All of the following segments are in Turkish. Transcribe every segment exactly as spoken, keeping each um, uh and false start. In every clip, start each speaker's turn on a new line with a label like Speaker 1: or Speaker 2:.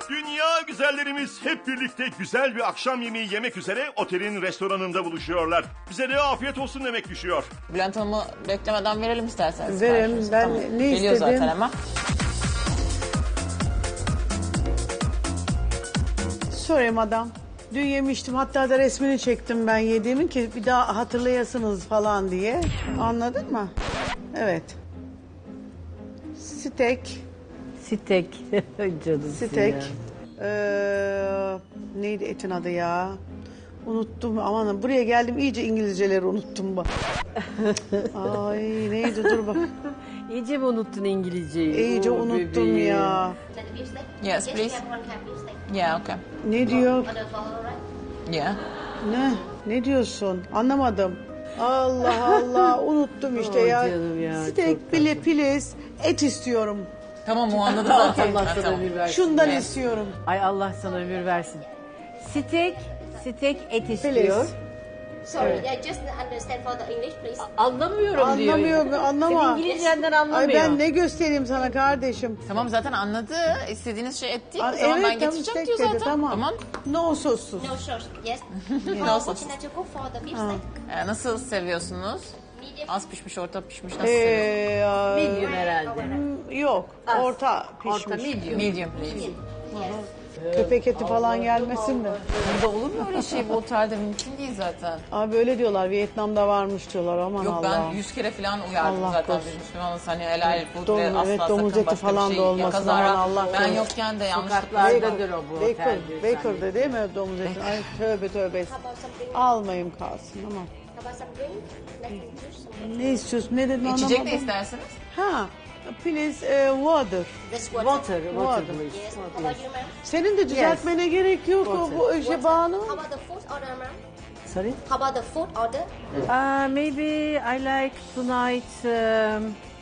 Speaker 1: Dünya güzellerimiz hep birlikte güzel bir akşam yemeği yemek üzere otelin restoranında buluşuyorlar. Bize de afiyet olsun demek düşüyor.
Speaker 2: Bülent Hanım'ı beklemeden verelim isterseniz.
Speaker 3: Verelim.
Speaker 2: siparişimizi.
Speaker 3: Ben
Speaker 2: Tamam.
Speaker 3: ne
Speaker 2: Geliyor
Speaker 3: istedim?
Speaker 2: zaten hemen.
Speaker 3: Sorayım adam. Dün yemiştim, hatta da resmini çektim ben yediğimin ki bir daha hatırlayasınız falan diye. Anladın mı? Evet. Steak.
Speaker 4: Steak. Canım
Speaker 3: Steak. Ee, neydi etin adı ya? Unuttum, aman buraya geldim iyice İngilizceleri unuttum bak. Ay neydi, dur bak.
Speaker 4: İyice mi unuttun İngilizceyi?
Speaker 3: İyice
Speaker 4: Oo,
Speaker 3: unuttum
Speaker 4: bebeğim.
Speaker 3: ya.
Speaker 2: Yes, please. Yeah, okay.
Speaker 3: Ne diyor?
Speaker 2: Yeah.
Speaker 3: Ne? Ne diyorsun? Anlamadım. Allah Allah unuttum işte
Speaker 4: Ay
Speaker 3: ya.
Speaker 4: canım ya,
Speaker 3: Steak
Speaker 4: çok
Speaker 3: bile piliz et istiyorum.
Speaker 2: Tamam, o anladı zaten.
Speaker 4: Allah
Speaker 2: Ha,
Speaker 4: sana
Speaker 2: tamam.
Speaker 4: ömür versin.
Speaker 3: Şundan
Speaker 2: Evet.
Speaker 3: istiyorum.
Speaker 4: Ay Allah sana ömür versin. Steak, steak et istiyor.
Speaker 3: Filiz.
Speaker 5: Sorry, I just understand for the English, please.
Speaker 4: Anlamıyorum diyor.
Speaker 3: Anlamıyor, anlama.
Speaker 4: Senin İngilizcenden anlamıyor.
Speaker 3: Ay ben ne göstereyim sana kardeşim?
Speaker 2: Tamam, zaten anladı. İstediğiniz şey et değil mi?
Speaker 3: Aa,
Speaker 2: Tamam, ben
Speaker 3: evet, tamam,
Speaker 2: getireceğim
Speaker 3: steak
Speaker 2: diyor
Speaker 3: dedi,
Speaker 2: zaten.
Speaker 3: tamam.
Speaker 2: Tamam.
Speaker 3: No sossuz.
Speaker 5: No sauce, yes.
Speaker 2: No
Speaker 5: How
Speaker 2: sauce.
Speaker 5: would you go for the beef steak?
Speaker 2: Ee, nasıl seviyorsunuz?
Speaker 5: Medium.
Speaker 2: Az pişmiş, orta pişmiş, nasıl seviyorsunuz?
Speaker 3: Ee,
Speaker 4: Medium herhalde.
Speaker 3: mm, yok,
Speaker 4: Az.
Speaker 3: orta pişmiş.
Speaker 4: Orta medium.
Speaker 2: Medium please.
Speaker 5: Yes.
Speaker 3: Köpek eti falan gelmesin de.
Speaker 2: Burada olur mu öyle şey? Bu otelde mümkün değil zaten.
Speaker 3: Abi öyle diyorlar, Vietnam'da varmış diyorlar, aman
Speaker 2: Yok,
Speaker 3: Allah.
Speaker 2: ben yüz kere falan uyardım
Speaker 3: Allah
Speaker 2: zaten.
Speaker 3: korusun.
Speaker 2: Biz Müslümanız, hani helal food
Speaker 3: Domuz-
Speaker 2: ve asla
Speaker 3: evet,
Speaker 2: sakın
Speaker 3: domuz eti
Speaker 2: başka
Speaker 3: falan
Speaker 2: bir
Speaker 3: da
Speaker 2: şey
Speaker 3: olmasın,
Speaker 2: kazara.
Speaker 3: aman Allah
Speaker 2: Ben
Speaker 3: korusun.
Speaker 2: yokken de yanlışlıkla.
Speaker 4: Sokaklardadır o bu
Speaker 3: Baker,
Speaker 4: otel diyor
Speaker 3: Baker'da
Speaker 4: sen.
Speaker 3: değil mi domuz eti? Ay tövbe tövbe.
Speaker 5: How about something?
Speaker 3: Almayayım kalsın ama.
Speaker 5: How about some drink? Like juice.
Speaker 3: Ne istiyorsun? Ne dedin
Speaker 2: İçecek de
Speaker 3: anlamadım.
Speaker 2: isterseniz.
Speaker 3: Ha, please eh, water.
Speaker 5: This water.
Speaker 4: Water, water please.
Speaker 5: Yes. How about you, ma'am?
Speaker 3: Senin de düzeltmene gerek yok o bu işe Banu.
Speaker 5: How about the food order, ma'am?
Speaker 4: Sorry?
Speaker 5: How about the food order?
Speaker 4: Uh, maybe I like tonight um,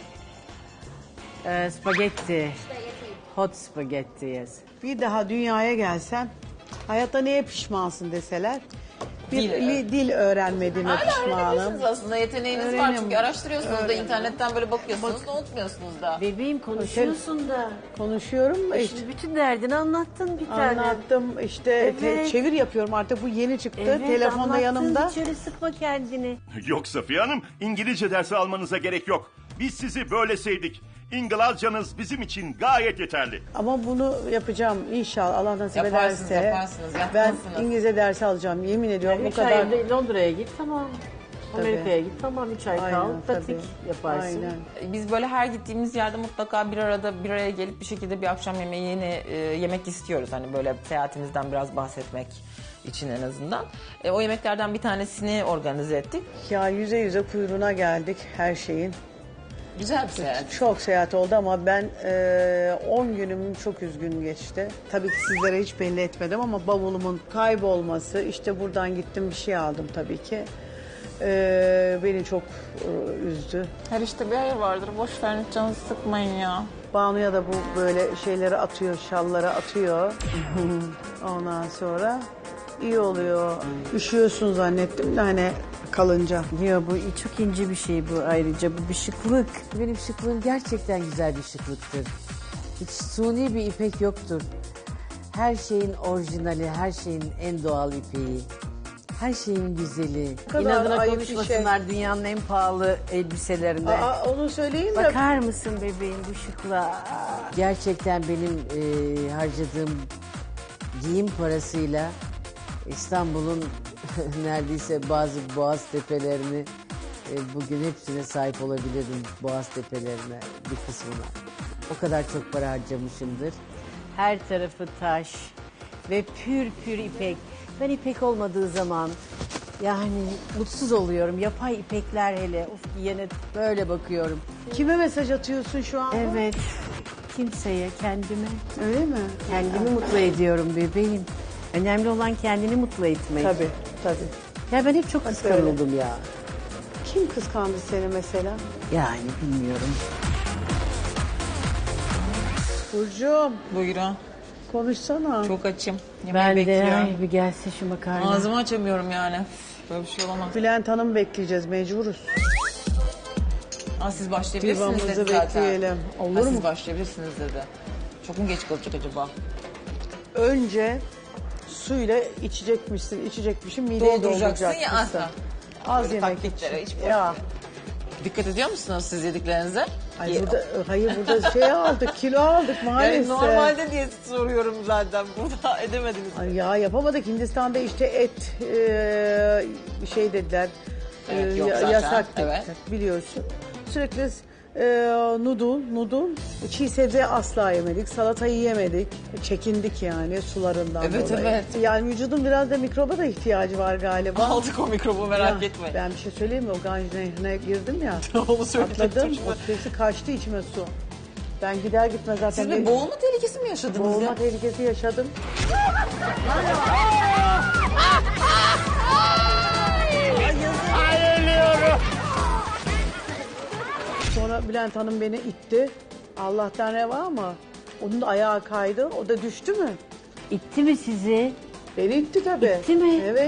Speaker 4: uh, spaghetti.
Speaker 5: Spaghetti.
Speaker 4: Hot spaghetti, yes.
Speaker 3: Bir daha dünyaya gelsen hayatta neye pişmansın deseler. Bir
Speaker 2: Dil,
Speaker 3: dil, dil öğrenmediğime
Speaker 2: Hala
Speaker 3: pişmanım.
Speaker 2: öğrenebilirsiniz aslında. Yeteneğiniz var
Speaker 3: Öğrenim.
Speaker 2: çünkü araştırıyorsunuz da
Speaker 3: Öğrenim.
Speaker 2: internetten böyle bakıyorsunuz da unutmuyorsunuz da.
Speaker 4: Bebeğim konuşuyorsun da.
Speaker 3: Konuşuyorum da işte.
Speaker 4: Şimdi bütün derdini anlattın bir tane.
Speaker 3: Anlattım işte te-
Speaker 4: Evet.
Speaker 3: çevir yapıyorum artık, bu yeni çıktı.
Speaker 4: Evet,
Speaker 3: Telefonda
Speaker 4: anlattın,
Speaker 3: yanımda.
Speaker 4: hiç öyle sıkma kendini.
Speaker 1: Yok Safiye Hanım, İngilizce dersi almanıza gerek yok. Biz sizi böyle sevdik. İngilizcanız bizim için gayet yeterli.
Speaker 3: Ama bunu yapacağım inşallah, Allah nasip
Speaker 2: Yaparsınız,
Speaker 3: ederse.
Speaker 2: yaparsınız,
Speaker 3: Ben
Speaker 2: yapmalısınız.
Speaker 3: İngilizce dersi alacağım, yemin ediyorum bu
Speaker 4: Üç
Speaker 3: kadar.
Speaker 4: ay Londra'ya git tamam. Amerika'ya git tamam. Üç ay kal.
Speaker 3: Aynen,
Speaker 4: Pratik
Speaker 3: tabii.
Speaker 4: yaparsın.
Speaker 3: Aynen.
Speaker 2: Biz böyle her gittiğimiz yerde mutlaka bir arada bir araya gelip bir şekilde bir akşam yemeği yeni e, yemek istiyoruz. Hani böyle seyahatimizden biraz bahsetmek için en azından. E, o yemeklerden bir tanesini organize ettik.
Speaker 3: Ya yüze yüze kuyruğuna geldik her şeyin.
Speaker 2: Güzel bir seyahat.
Speaker 3: Çok seyahat oldu ama ben e, on günüm çok üzgün geçti. Tabii ki sizlere hiç belli etmedim ama bavulumun kaybolması, işte buradan gittim bir şey aldım tabii ki. E, beni çok e, üzdü.
Speaker 2: Her işte bir hayır vardır. Boş verin, canınızı sıkmayın ya.
Speaker 3: Banu'ya da bu böyle şeyleri atıyor, şalları atıyor. Ondan sonra iyi oluyor. Üşüyorsun zannettim de hani kalınca.
Speaker 4: Ya bu çok ince bir şey bu ayrıca. Bu bir şıklık. Benim şıklığım gerçekten güzel bir şıklıktır. Hiç suni bir ipek yoktur. Her şeyin orijinali, her şeyin en doğal ipeği. Her şeyin güzeli.
Speaker 3: kadar
Speaker 4: İnadına
Speaker 3: ayıp bir
Speaker 4: konuşmasınlar dünyanın en pahalı elbiselerinde.
Speaker 3: Aa, onu söyleyeyim de
Speaker 4: Bakar mısın bebeğim bu şıklığa? Gerçekten benim e, harcadığım giyim parasıyla İstanbul'un neredeyse bazı boğaz tepelerini e, bugün hepsine sahip olabilirim. Boğaz tepelerine bir kısmına. O kadar çok para harcamışımdır. Her tarafı taş ve pür pür ipek. Ben ipek olmadığı zaman yani mutsuz oluyorum. Yapay ipekler hele. Of giyene böyle bakıyorum.
Speaker 3: kime mesaj atıyorsun şu an?
Speaker 4: Evet. Kimseye, kendime.
Speaker 3: Öyle mi?
Speaker 4: Kendimi mutlu ediyorum bebeğim. Önemli olan kendini mutlu etmek.
Speaker 3: Tabii, tabii.
Speaker 4: Ya ben hep çok kıskanıldım ya.
Speaker 3: Kim kıskandı seni mesela?
Speaker 4: Yani bilmiyorum.
Speaker 3: Burcu'm
Speaker 2: Buyurun.
Speaker 3: konuşsana.
Speaker 2: Çok açım. Yemeği
Speaker 4: Ben de
Speaker 2: bekliyorum.
Speaker 4: ay bir gelsin şu makarna.
Speaker 2: Ağzımı açamıyorum yani. Üf, böyle bir şey olamaz.
Speaker 3: Bülent Hanım bekleyeceğiz, mecburuz.
Speaker 2: Aa, siz başlayabilirsiniz
Speaker 3: Divamızı
Speaker 2: dedi zaten.
Speaker 3: bekleyelim. Olur
Speaker 2: Ha,
Speaker 3: mu?
Speaker 2: Siz başlayabilirsiniz dedi. Çok mu geç kalacak acaba?
Speaker 3: önce suyla içecekmişsin, içecekmişsin, mideyi
Speaker 2: Dolduracaksın ya
Speaker 3: dolduracaksın.
Speaker 2: asla.
Speaker 3: Az
Speaker 2: Böyle
Speaker 3: yemek
Speaker 2: taktiklere
Speaker 3: için.
Speaker 2: hiç boş
Speaker 3: Ya.
Speaker 2: Dikkat ediyor musunuz siz yediklerinize?
Speaker 3: Ay
Speaker 2: Ye-
Speaker 3: burada, hayır burada şey aldık, kilo aldık maalesef.
Speaker 2: Yani normalde diye soruyorum zaten. Burada edemediniz.
Speaker 3: Ay ya yapamadık. Hindistan'da işte et e, şey dediler.
Speaker 2: Evet,
Speaker 3: e,
Speaker 2: yok
Speaker 3: ya-
Speaker 2: zaten,
Speaker 3: yasak dediler,
Speaker 2: evet.
Speaker 3: biliyorsun. Sürekli e, noodle, noodle, çiğ sebze asla yemedik. Salatayı yemedik. Çekindik yani sularından
Speaker 2: Evet,
Speaker 3: dolayı.
Speaker 2: evet.
Speaker 3: Yani vücudun biraz da mikroba da ihtiyacı var galiba.
Speaker 2: Aldık o mikrobu merak
Speaker 3: Ya,
Speaker 2: etmeyin.
Speaker 3: Ben bir şey söyleyeyim mi? O Ganj Nehri'ne girdim ya.
Speaker 2: Onu söyleyecektim
Speaker 3: Atladım.
Speaker 2: şimdi.
Speaker 3: O sesi kaçtı içime su. Ben gider gitmez zaten.
Speaker 2: Siz bir
Speaker 3: benim-
Speaker 2: boğulma tehlikesi mi yaşadınız
Speaker 3: Boğulma
Speaker 2: ya?
Speaker 3: tehlikesi yaşadım. Sonra Bülent Hanım beni itti. Allah'tan ne var ama onun da ayağı kaydı. O da düştü mü?
Speaker 4: İtti mi sizi?
Speaker 3: Beni itti tabii.
Speaker 4: İtti mi?
Speaker 3: Evet.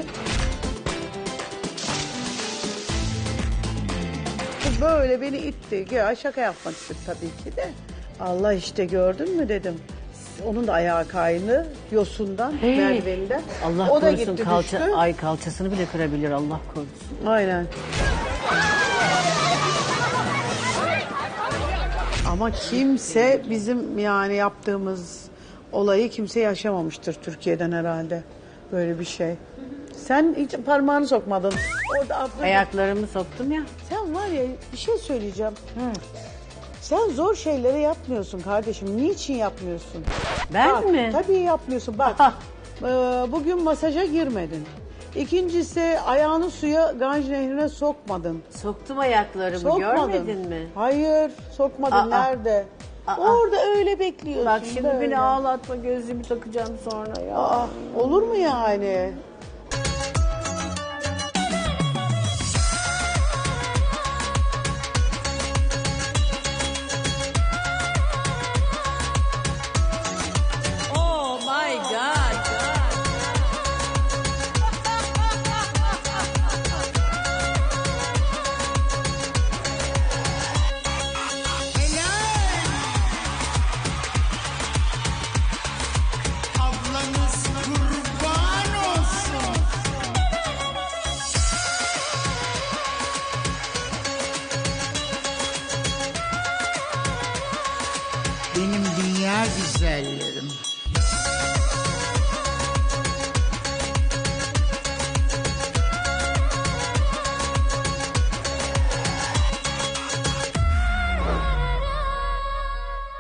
Speaker 3: Bu böyle beni itti. Ya şaka yapmak istedim tabii ki de. Allah işte gördün mü dedim. Onun da ayağı kaydı yosundan,
Speaker 4: Hey.
Speaker 3: merdiveninden.
Speaker 4: Allah
Speaker 3: o da
Speaker 4: korusun
Speaker 3: gitti
Speaker 4: kalça,
Speaker 3: düştü.
Speaker 4: ay kalçasını bile kırabilir Allah korusun.
Speaker 3: Aynen. Ama kimse bizim yani yaptığımız olayı kimse yaşamamıştır Türkiye'den herhalde. Böyle bir şey. Sen hiç parmağını sokmadın. Orada abla-
Speaker 4: Ayaklarımı soktum ya.
Speaker 3: Sen var ya bir şey söyleyeceğim. Sen zor şeyleri yapmıyorsun kardeşim. Niçin yapmıyorsun?
Speaker 4: Ben
Speaker 3: Bak,
Speaker 4: mi?
Speaker 3: Tabii yapmıyorsun. Bak
Speaker 4: Aha.
Speaker 3: e, bugün masaja girmedin. İkincisi ayağını suya Ganj Nehri'ne sokmadın.
Speaker 4: Soktum ayaklarımı
Speaker 3: Sokmadın.
Speaker 4: görmedin mi?
Speaker 3: Hayır sokmadın.
Speaker 4: Aa.
Speaker 3: Nerede?
Speaker 4: Aa.
Speaker 3: Orada öyle bekliyorsun.
Speaker 4: Bak şimdi
Speaker 3: böyle.
Speaker 4: beni ağlatma gözlüğümü takacağım sonra ya.
Speaker 3: Aa, olur mu yani?
Speaker 2: Oh my god.
Speaker 6: Ablanız kurban olsun. Benim dünya güzellerim.